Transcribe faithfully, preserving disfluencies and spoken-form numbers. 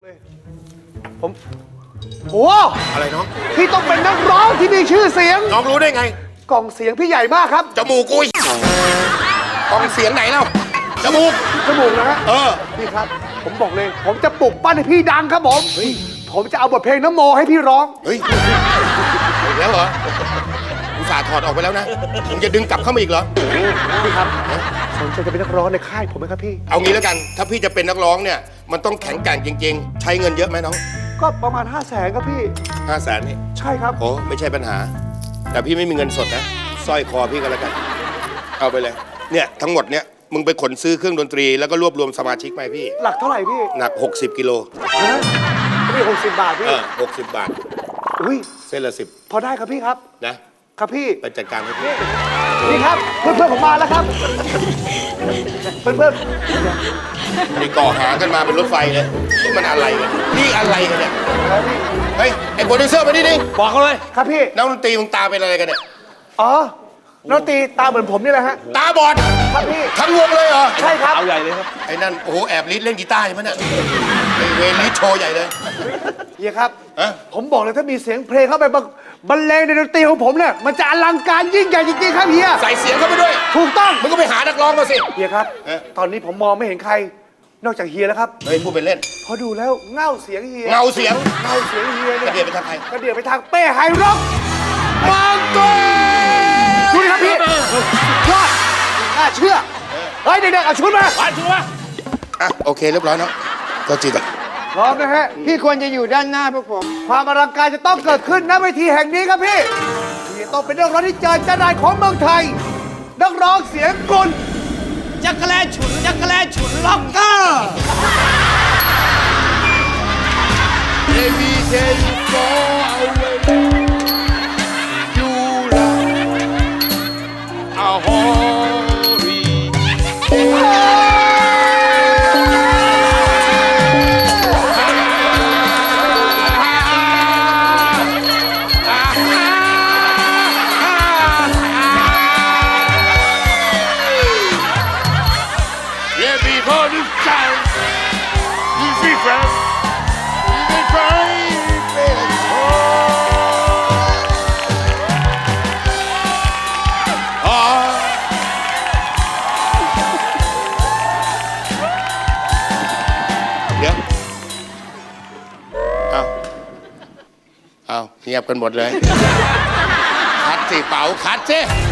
ผมโอ้อะไรน้องพี่ต้องเป็นนักร้องที่มีชื่อเสียงน้องรู้ได้ไงกล่องเสียงพี่ใหญ่มากครับจมูกกูกองเสียงไหนเล่าจมูกจมูกนะฮะเออพี่ครับ ผมบอกเลย ผมจะปลุกปั้นให้พี่ดังครับผมผมจะเอาบทเพลงน้ำโมให้พี่ร้องเฮ้ยอีกแล้วเหรออุตส่าห์ถอดออกไปแล้วนะมึงจะดึงกลับเข้ามาอีกเหรอพี่ครับสนใจจะเป็นนักร้องในค่ายผมไหมครับพี่เอางี้แล้วกัน ถ้าพี่จะเป็นนักร้องเนี่ย มันต้องแข็งแกร่งจริง ๆ ใช้เงินเยอะไหมน้องก็ประมาณห้าแสนครับพี่ห้าแสนนี่ใช่ครับโอ้ไม่ใช่ปัญหา แต่พี่ไม่มีเงินสดนะสร้อยคอพี่ก็แล้วกัน เอาไปเลย เนี่ยทั้งหมดเนี่ยมึงไปขนซื้อเครื่องดนตรีแล้วก็รวบรวมสมาชิกมาให้พี่หลักเท่าไหร่พี่หนักหกสิบกิโลฮะพี่หกสิบบาทพี่เออหกสิบบาทอุ้ยเส้นละสิบพอได้ครับพี่ครับนะครับพี่ไปจัดการให้พี่นี่ครับเพื่อนเพื่อนๆผมมาแล้วครับเพื่อนเพื่อนนี่ก่อหากันมาเป็นรถไฟเลยนี่มันอะไรกันนี่อะไรกันเนี่ยๆเฮ้ยไอ้โปรดิวเซอร์มาดิดิบอกเขาเลยครับพี่นักดนตรีมึงตาเป็นอะไรกันเนี่ยอ๋อน้องตีตาเหมือนผมนี่แหละฮะตาบอดครับพี่ทั้งวงเลยเหรอใช่ครับเอาใหญ่เลยครับไอ้นั่นโอ้โหแอบลิดเล่นกีตาร์ใช่ไหมเนี่ยไอ้เวรลิดโชว์ใหญ่เลยเฮียครับฮะผมบอกเลยถ้ามีเสียงเพลงเข้าไปบรรบรรเลงในดนตรีของผมเนี่ยมันจะอลังการยิ่งใหญ่จริงๆครับเฮียใส่เสียงเข้าไปด้วยถูกต้องมึงก็ไปหานักร้องมาสิเฮียครับเอ๊ะตอนนี้ผมมองไม่เห็นใคร นอกจากเฮียแล้วครับเฮ้ยพูดเป็นเล่นพอดูแล้วเง่าเสียงเฮียเงาเสียงเง่าเสียงเฮียกเนี่ระยเดียดไปทางใครกระเดียดไปทางเป้ไฮร็อกมังกรดูดิครับพี่ยอดน่าเชื่อเฮ้ยเด็กๆเอาชุดมาไปชัวร์อ่ะโอเคเรียบร้อยเนาะก็จิตอ่ะพร้อมนะฮะพี่ควรจะอยู่ด้านหน้าพวกผมความอลังการจะต้องเกิดขึ้นณเวทีแห่งนี้ครับพี่ที่ต้องเป็นนักร้องที่เจอจานายของเมืองไทย นักร้องเสียงกลจักรแลฉุนจักรแลฉุนล็อกเกอร์ Every day you go away you love a hurry Yeah, before this time, you see, friend, you may try, baby. Oh. Oh. เดี๋ยว เอาเอาเงียบกันหมดเลย คัดสิเป๋าคัดสิ